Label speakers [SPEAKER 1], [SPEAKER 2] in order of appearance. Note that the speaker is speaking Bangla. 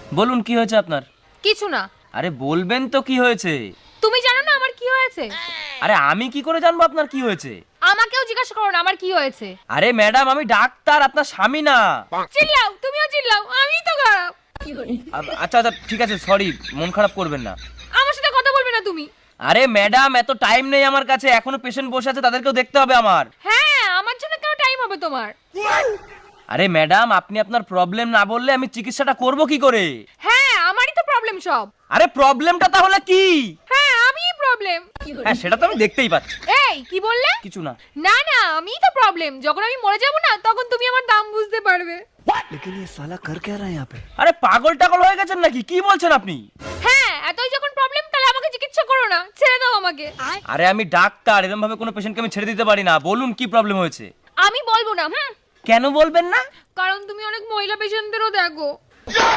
[SPEAKER 1] বলুন কি হয়েছে আপনার?
[SPEAKER 2] কিছু না।
[SPEAKER 1] আরে বলবেন তো কি হয়েছে?
[SPEAKER 2] তুমি জানো না আমার কি হয়েছে?
[SPEAKER 1] আরে আমি কি করে জানবো আপনার কি হয়েছে?
[SPEAKER 2] আমাকেও জিজ্ঞাসা করো না আমার কি হয়েছে।
[SPEAKER 1] আরে ম্যাডাম আমি ডাক্তার, আপনার স্বামী না।
[SPEAKER 2] চিল্লাও, তুমিও চিল্লাও, আমিই তো খারাপ।
[SPEAKER 1] আচ্ছা আচ্ছা ঠিক আছে, সরি, মন খারাপ করবেন না।
[SPEAKER 2] আমার সাথে কথা বলবে না তুমি।
[SPEAKER 1] আরে ম্যাডাম এত টাইম নেই আমার কাছে, এখনো পেশেন্ট বসে আছে, তাদেরকেও দেখতে হবে আমার।
[SPEAKER 2] হ্যাঁ, আমার জন্য কেন টাইম হবে তোমার?
[SPEAKER 1] আরে ম্যাডাম আপনি আপনার প্রবলেম না বললে আমি চিকিৎসাটা করব কি করে?
[SPEAKER 2] হ্যাঁ, আমারই তো প্রবলেম সব।
[SPEAKER 1] আরে প্রবলেমটা তাহলে কি?
[SPEAKER 2] হ্যাঁ, আমিই প্রবলেম।
[SPEAKER 1] হ্যাঁ সেটা তো আমি দেখতেই পাচ্ছি।
[SPEAKER 2] এই কি বললে?
[SPEAKER 1] কিছু না।
[SPEAKER 2] না না, আমিই তো প্রবলেম। যখন আমি মরে যাব না তখন তুমি আমার দাম বুঝতে পারবে।
[SPEAKER 3] लेकिन ये साला कर क्या रहा है यहाँ पे?
[SPEAKER 1] আরে পাগল টাগল হয়ে গেছেন নাকি? কি বলছেন আপনি?
[SPEAKER 2] হ্যাঁ, এতই যখন প্রবলেম তাহলে আমাকে চিকিৎসা করো না, ছেড়ে দাও আমাকে।
[SPEAKER 1] আরে আমি ডাক্তার, এরকম ভাবে কোনো পেশেন্টকে আমি ছেড়ে দিতে পারি না। বলুন কি প্রবলেম হয়েছে?
[SPEAKER 2] আমি বলবো না।
[SPEAKER 1] কেন বলবেন না?
[SPEAKER 2] কারণ তুমি অনেক মহিলা পেশেন্টদেরও দেখো।